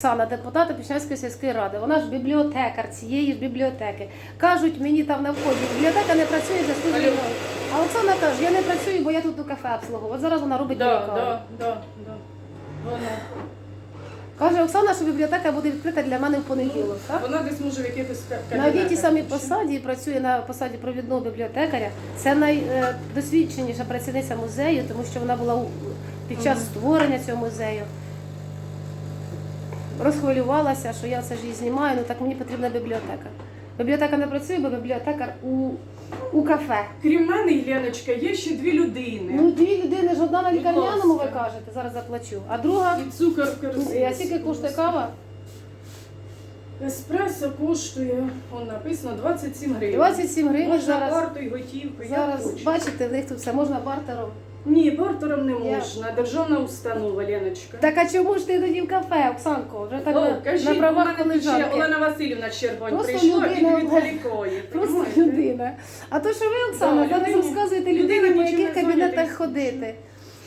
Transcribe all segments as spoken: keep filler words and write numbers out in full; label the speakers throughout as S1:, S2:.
S1: Оксана, депутата Пішнянської сільської ради, вона ж бібліотекар цієї ж бібліотеки. Кажуть мені там на вході, бібліотека не працює за службою. А Оксана каже, я не працюю, бо я тут у кафе обслуговую. От зараз вона робить
S2: Да,
S1: мені каву.
S2: да, да, да. Вона.
S1: Каже Оксана, що бібліотека буде відкрита для мене в понеділок. Так?
S2: Вона десь може в якихось ка-
S1: На одній тій самій
S2: кабінетах.
S1: посаді працює на посаді провідного бібліотекаря. Це найдосвідченіша працівниця музею, тому що вона була у- під час створення цього музею. Розхвилювалася, що я це ж її знімаю, ну так мені потрібна бібліотека. Бібліотека не працює, бо бібліотекар у, у кафе.
S2: Крім мене, Єленочка, є ще дві людини.
S1: Ну, дві людини ж одна на
S2: Будь
S1: лікарняному, ви
S2: ласка.
S1: кажете, зараз заплачу. А друга,
S2: І цукор в корзинці.
S1: а скільки коштує кава?
S2: Еспресо коштує, он написано, двадцять сім гривень.
S1: двадцять сім гривень
S2: Можна
S1: зараз.
S2: картою, готівкою, як
S1: Зараз,
S2: хочеш.
S1: бачите, в них тут все можна бартером.
S2: Ні, бартером не
S1: Я-
S2: можна. Державна установа, Леночка.
S1: Так а чому ж ти тоді в кафе, Оксанко? Вже так
S2: О,
S1: на,
S2: кажіть,
S1: на
S2: у
S1: правах
S2: мене тут ще
S1: колежанки.
S2: Олена Васильівна Щербань
S1: Просто
S2: прийшла і
S1: людина,
S2: відволікає.
S1: Просто
S2: понімаєте?
S1: людина. А то, що ви, Оксана,
S2: Да,
S1: зараз
S2: людині-
S1: розказуєте
S2: людина
S1: людині, по
S2: нічим
S1: яких
S2: не
S1: кабінетах
S2: зайнята.
S1: ходити.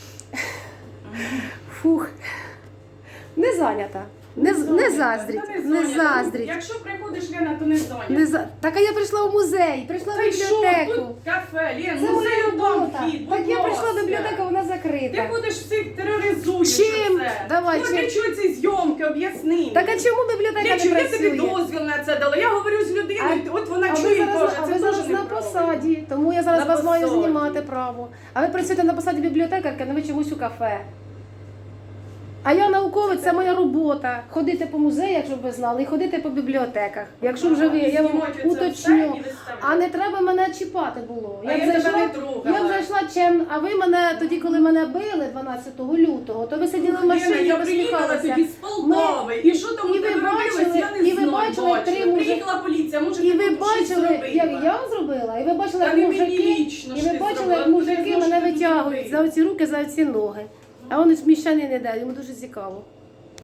S1: Фух. Не зайнята. Не, з- не заздріть.
S2: Та
S1: Не
S2: зайнята.
S1: заздріть.
S2: Якщо приходиш, Лена, то не зайнята.
S1: Не за... Так а я прийшла в музей, прийшла в
S2: Та й що,
S1: бібліотеку.
S2: тут кафе, Лен,
S1: Це моя
S2: музей
S1: робота.
S2: там вхід,
S1: Так
S2: будь
S1: я прийшла в
S2: ласка.
S1: бібліотеку, вона
S2: Ти
S1: закрита.
S2: будеш всіх тероризуєш.
S1: Чим?
S2: оце.
S1: Давай,
S2: Ну,
S1: чим?
S2: для чого ці зйомки, об'ясни.
S1: Так а
S2: мені.
S1: чому бібліотека
S2: Для
S1: не
S2: чого я тобі
S1: працює?
S2: дозвіл на це дала? Я говорю з людиною, от вона
S1: А ви
S2: чує і
S1: зараз,
S2: каже,
S1: а
S2: це
S1: ви зараз
S2: теж
S1: на
S2: неправильно.
S1: посаді, тому я зараз
S2: На
S1: вас маю
S2: посаді.
S1: знімати право. А ви працюєте на посаді бібліотекарки, а ви чомусь у кафе. А я науковець, це моя робота. Ходити по музеях, щоб ви знали, і ходити по бібліотеках. Якщо вже ви, я вам
S2: Знімати оце все
S1: уточню.
S2: і виставляти.
S1: А не треба мене чіпати було.
S2: А я
S1: б
S2: тебе не трогала.
S1: я б зайшла чим, а ви мене тоді, коли мене били дванадцятого лютого, то ви сиділи в
S2: Лена,
S1: машині і
S2: я приїхала
S1: посміхалися.
S2: тоді з Полтави, і що там
S1: і
S2: у
S1: ви
S2: тебе робилось,
S1: бачили-
S2: я не
S1: і ви
S2: знаю,
S1: бачили,
S2: бачила.
S1: три мужики-
S2: Приїхала поліція, може
S1: І
S2: ти
S1: ви
S2: тут щось
S1: бачили,
S2: зробила?
S1: як я вам зробила, і ви бачили,
S2: Та
S1: як
S2: не
S1: мужики,
S2: лічно
S1: і
S2: ж
S1: ви
S2: ти
S1: бачили,
S2: зробила,
S1: як
S2: ти
S1: мужики
S2: знаєш,
S1: мене
S2: що ти
S1: витягують
S2: зробила.
S1: за оці руки, за оці ноги. А вони ж міщані не дають, йому дуже цікаво.